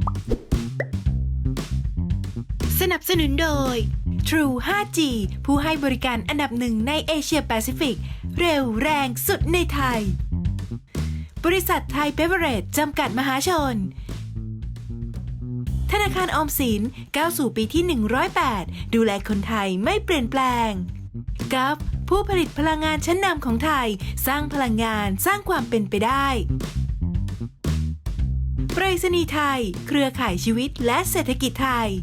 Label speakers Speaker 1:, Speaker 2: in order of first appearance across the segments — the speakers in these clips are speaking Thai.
Speaker 1: สนับสนุนโดย True 5G ผู้ให้บริการอันดับหนึ่งในเอเชียแปซิฟิกเร็วแรงสุดในไทยบริษัทไทยเบเวอเรจจำกัดมหาชนธนาคารออมสินก้าวสู่ปีที่108ดูแลคนไทยไม่เปลี่ยนแปลงกัฟผู้ผลิตพลังงานชั้นนำของไทยสร้างพลังงานสร้างความเป็นไปได้ไปรษณีย์ไทยเครือข่ายชีวิตและเศรษฐกิจไทย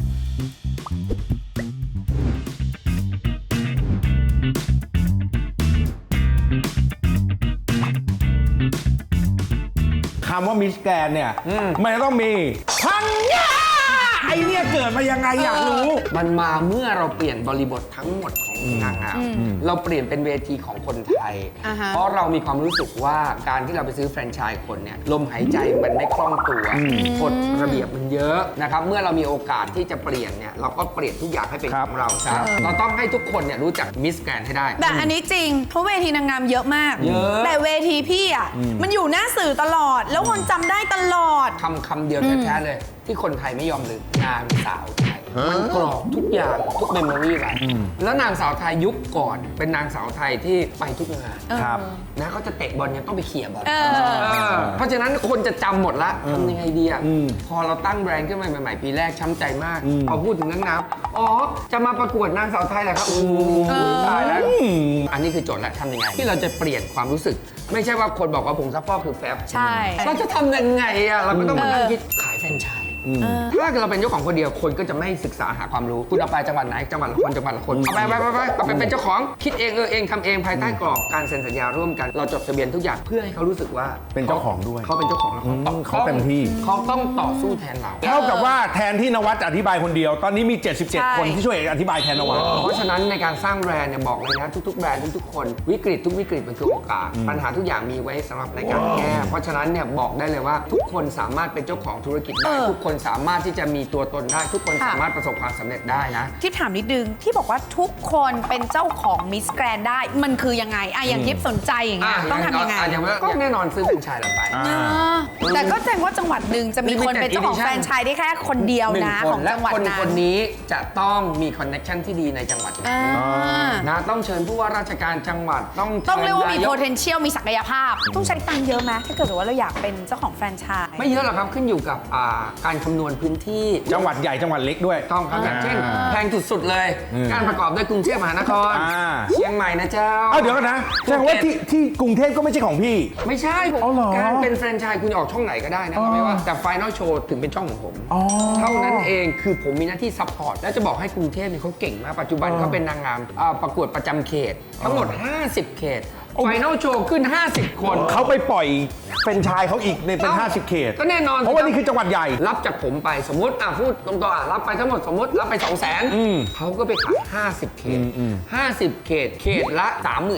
Speaker 2: คำว่ามิสแกรนเนี่ยมันจะต้องมีพังงาไอเนี่ยเกิดมายังไงอยากรู้
Speaker 3: มันมาเมื่อเราเปลี่ยนบริบททั้งหมดของนางงามเราเปลี่ยนเป็นเวทีของคนไทย เพราะเรามีความรู้สึกว่าการที่เราไปซื้อแฟรนไชส์คนเนี่ยลมหายใจมันไม่คล่องตัวกฎระเบียบมันเยอะนะครับเมื่อเรามีโอกาสที่จะเปลี่ยนเนี่ยเราก็เปลี่ยนทุกอย่างให้เป็นของเราครับเราต้องให้ทุกคนเนี่ยรู้จักมิสแกรนให้ได้
Speaker 4: แต่อันนี้จริงเพราะเวทีนางงามเยอะมาก
Speaker 3: เยอะ
Speaker 4: แต่เวทีพี่อ่ะมันอยู่หน้าสื่อตลอดแล้วคนจำได้ตลอด
Speaker 3: คำเดียวแท้ๆเลยที่คนไทยไม่ยอมลืมนางสาวไทยมันกรอบทุกอย่างทุกเมมโมรี่ไว้แล้วนางสาวไทยยุคก่อนเป็นนางสาวไทยที่ไปทุกงาน
Speaker 2: ครับ
Speaker 3: นะเขาจะเตะบอลยังต้องไปเขี่ยบอลเพราะฉะนั้นคนจะจำหมดละทำยังไงดีอ่ะพอเราตั้งแบรนด์ขึ้นมาใหม่ๆปีแรกช้ำใจมากพอพูดถึงนางงามอ๋อจะมาประกวดนางสาวไทยแหละครับตายแล้วอันนี้คือโจทย์แล้วทำยังไงที่เราจะเปลี่ยนความรู้สึกไม่ใช่ว่าคนบอกว่าผงซักฟอกคือแฟบ
Speaker 4: ใช่
Speaker 3: เราจะทำยังไงอ่ะเราก็ต้องมานั่งคิดขายแฟรนไชส์ถ้าเราเป็นเจ้าของคนเดียวคนก็จะไม่ศึกษาหาความรู้คุณเอาไปจังหวัดไหนจังหวัดละคนจังหวัดละคนเอาไปเป็นเจ้าของคิดเองเองทำเองภายใต้กรอบการเซ็นสัญญาร่วมกันเราจดทะเบียนทุกอย่างเพื่อให้เขารู้สึกว่า
Speaker 2: เป็นเจ้าของด้วย
Speaker 3: เขาเป็นเจ้าของแล้ว
Speaker 2: เขาเต็มที่
Speaker 3: เขาต้องต่อสู้แทนเรา
Speaker 2: เท่ากับว่าแทนที่นวัดอธิบายคนเดียวตอนนี้มี77คนที่ช่วยอธิบายแทนนวัด
Speaker 3: เพราะฉะนั้นในการสร้างแบรนด์เนี่ยบอกเลยนะทุกๆแบรนด์ทุกๆคนวิกฤตทุกวิกฤตมันคือโอกาสปัญหาทุกอย่างมีไว้สำหรับในการแก้เพราะฉะนั้นเนี่ยบอกได้เลยว่าทุกคนสามารถเป็นเจ้าของธุรกิจได้ทุกคนสามารถที่จะมีตัวตนได้ทุกคนสามารถประสบความสำเร็จได้นะ
Speaker 4: ที่ถามนิดนึงที่บอกว่าทุกคนเป็นเจ้าของมิสแกรนได้มันคือยังไงอย่างทิพย์สนใจอย่างเงี้ยต้องทำยังไง
Speaker 3: ก็แน่นอนซื้อเป็นชายเราไป
Speaker 4: แต่ก็แจ้งว่าจังหวัดหนึ่งจะมีคนเป็นเจ้าของแฟรนไชส์ได้แค่คนเดียวนะของจังหวัดนั้น
Speaker 3: คนนี้จะต้องมีคอนเนคชั่นที่ดีในจังหวัดนะต้องเชิญผู้ว่าราชการจังหวัด
Speaker 4: ต้องเรียกว่ามี potential มีศักยภาพต้องใช้ตังค์เยอะไหมถ้าเกิดว่าเราอยากเป็นเจ้าของแฟรนไชส์
Speaker 3: ไม่เยอะหรอกครับขึ้นอยู่กับการคำนวณพื้นที่
Speaker 2: จังหวัดใหญ่จังหวัดเล็กด้วย
Speaker 3: ต้องครับอย่างเช่นแพงสุดๆเลยการประกอบด้วยกรุงเทพมหานครเชียงใหม่นะเจ้า
Speaker 2: เดี๋ยวกันนะแสดงว่าที่กรุงเทพก็ไม่ใช่ของพี่
Speaker 3: ไม่ใช่การเป็นแฟรนไชส์คุณออกช่องไหนก็ได้นะไม่ว่าแต่ Final Show ถึงเป็นช่องของผมเท่านั้นเองคือผมมีหน้าที่ซัพพอร์ตและจะบอกให้กรุงเทพเขาเก่งมากปัจจุบันเขาเป็นนางงามประกวดประจำเขตทั้งหมด50 เขตไฟนอลโชว์ขึ้น50 คน
Speaker 2: เขาไปปล่อยเป็นชายเขาอีกในเป็น50 เขต
Speaker 3: ก็แน่นอน
Speaker 2: เพราะว่านี่คือจังหวัดใหญ่
Speaker 3: รับจากผมไปสมมติพูดตรงๆรับไปทั้งหมดสมมติรับไป 200,000เขาก็ไปขาย50 เขต50 เขตเขตละ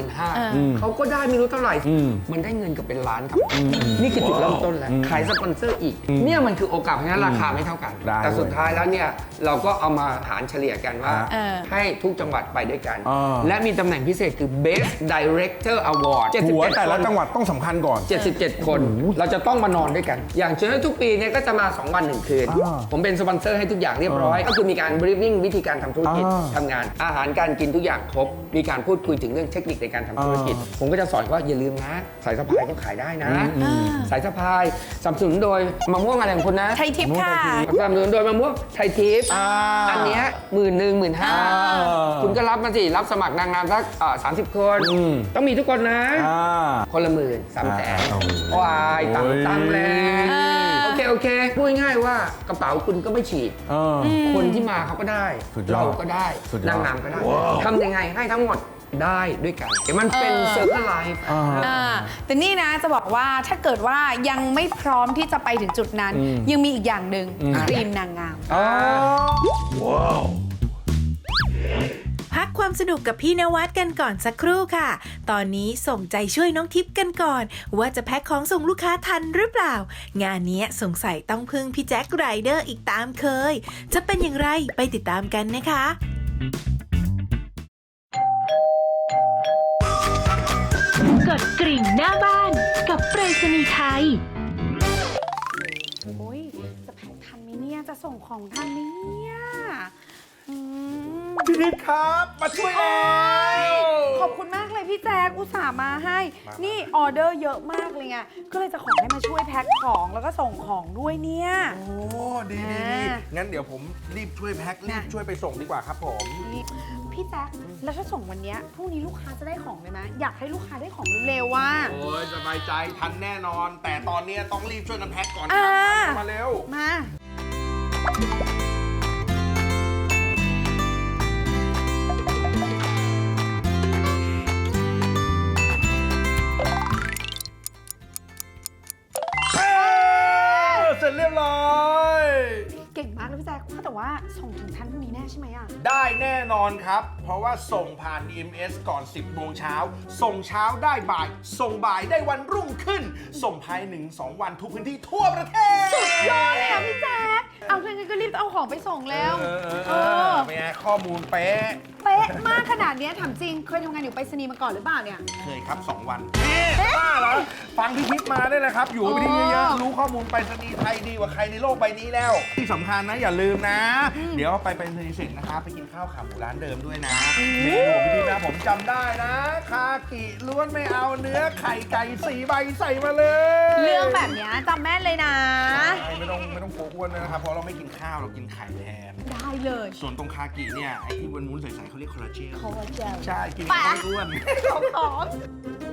Speaker 3: 35,000เขาก็ได้ไม่รู้เท่าไหร่มันได้เงินกับเป็นล้านครับนี่คือจุดเริ่มต้นแล้วขายสปอนเซอร์อีกเนี่ยมันคือโอกาสเพราะฉะนั้นราคาไม่เท่ากันแต่สุดท้ายแล้วเนี่ยเราก็เอามาหารเฉลี่ยกันว่าให้ทุกจังหวัดไปด้วยกันและมีตำแหน่งพิเศษคือ Best Director Award
Speaker 2: หัวแต่ละจังหวัดต้องสำคัญก่อน
Speaker 3: 77 คนเราจะต้องมานอนด้วยกันอย่างเช่นทุกปีเนี่ยก็จะมา2 วัน 1 คืนผมเป็นสปอนเซอร์ให้ทุกอย่างเรียบร้อยก็คือมีการบรีฟวิ่งวิธีการทำธุรกิจทำงานอาหารการกินทุกอย่างครบมีการพูดคุยถึงเรื่องเทคนิคในการทำธุรกิจผมก็จะสอนว่าอย่าลืมนะสายสะพายก็ขายได้นะสายสะพายสนับสนุนโดยมะม่วงอะไรของคุณนะ
Speaker 4: ไทยทิพย์ค่ะ
Speaker 3: สนับสนุนโดยมะม่วงไทยทิพย์อันเนี้ย11,000 15,000คุณก็รับมาสิรับสมัครนางงามสัก30 คนต้องมีทุกคนนะคนละ13,000,000ว้ายตังแล้วโอเคพูดง่ายๆว่ากระเป๋าคุณก็ไม่ฉีกคนที่มาเขาก็ได้เราก็ได้นางงามก็ได้ทำยังไงให้ทั้งหมดได้ด้วยกันมันเป็นเซอร์เคิลไลฟ์
Speaker 4: แต่นี่นะจะบอกว่าถ้าเกิดว่ายังไม่พร้อมที่จะไปถึงจุดนั้นยังมีอีกอย่างหนึ่งครีมนางงาม
Speaker 1: ว้าวพักความสนุกกับพี่นวัดกันก่อนสักครู่ค่ะ ตอนนี้ส่งใจช่วยน้องทิพย์กันก่อนว่าจะแพ็คของส่งลูกค้าทันหรือเปล่างานนี้สงสัยต้องพึ่งพี่แจ็คไรเดอร์อีกตามเคยจะเป็นอย่างไรไปติดตามกันนะคะกดกริ่งหน้าบ้านกับไปรษณีย์ไทย
Speaker 4: ทันไหมเนี่ยจะส่งของทันไหมเนี่ยอืม
Speaker 2: พี่นิดครับมาช่วยแล้ว
Speaker 4: ขอบคุณมากเลยพี่แจ๊คอุตส่าห์มาให้ นี่ออเดอร์เยอะมากเลยไงก็เลยจะขอให้มาช่วยแพ็คของแล้วก็ส่งของด้วยเนี่ย
Speaker 2: โอ้ดีงั้นเดี๋ยวผมรีบช่วยแพ็ครีบช่วยไปส่งดีกว่าครับผม
Speaker 4: นี่พี่แจ๊คแล้วถ้าส่งวันเนี้ยพรุ่งนี้ลูกค้าจะได้ของเลยไหมอยากให้ลูกค้าได้ของเร็วๆว่า
Speaker 2: โอ้ยสบายใจทันแน่นอน แต่ตอนนี้ต้องรีบช่วยกันแพ็คก่อนค
Speaker 4: อ่า
Speaker 2: รับมาเร็ว
Speaker 4: มา
Speaker 2: เสร็จเรียบร้อย
Speaker 4: เก่งมากเลยพี่แจ๊คว่าแต่ว่าส่งถึงท่านพรุ่งนี้แน่ใช่ไหมอ่ะ
Speaker 2: ได้แน่นอนครับ เพราะว่าส่งผ่าน EMS ก่อน 10 โมงเช้า ส่งเช้าได้บ่าย ส่งบ่ายได้วันรุ่งขึ้น ส่งภาย 1-2 วันทุกพื้นที่ทั่วประเทศ
Speaker 4: สุดยอดเลยอ่ะพี่แจ๊คเอาเพื่อนก็รีบเอาของไปส่งแล้ว
Speaker 2: เป็นไงข้อมูลเป๊ะ
Speaker 4: เป๊ะมากขนาดเนี้ยถามจริงเคยทำงานอยู่ไปรษณีย์มาก่อนหรือเปล่าเนี่ย
Speaker 2: เคยครับ 2 วันบ้าเหรอ ฟังพี่ทิพย์มาได้เลยครับ อยู่ไปที่เยอะๆรู้ข้อมูลไปรษณีย์ไทยดีกว่าใครในโลกใบนี้แล้ว ที่สำคัญนะอย่าลืมนะ เดี๋ยวไปรษณีย์เสร็จนะครับไปกินข้าวขาหมูร้านเดิมด้วยนะเมนูของพี่ทิพย์นะผมจำได้นะคากิล้วนไม่เอาเนื้อไข่ไก่4 ใบใส่มาเลย
Speaker 4: เรื่องแบบเนี้ยจำแม่นเลยนะ
Speaker 2: ใช่ไม่ต้องกลัวอ้วนเลยนะครับเพราะเราไม่กินข้าวเรากินไข่แทน
Speaker 4: ได้เลย
Speaker 2: ส่วนตรงคากิเนี่ยไอ้ที่วุ้นๆใสๆเขาเรียกคอลลาเจน
Speaker 4: ขอเจล
Speaker 2: ใช่กิน
Speaker 4: ไป
Speaker 2: ไม่อ้วน
Speaker 4: ของ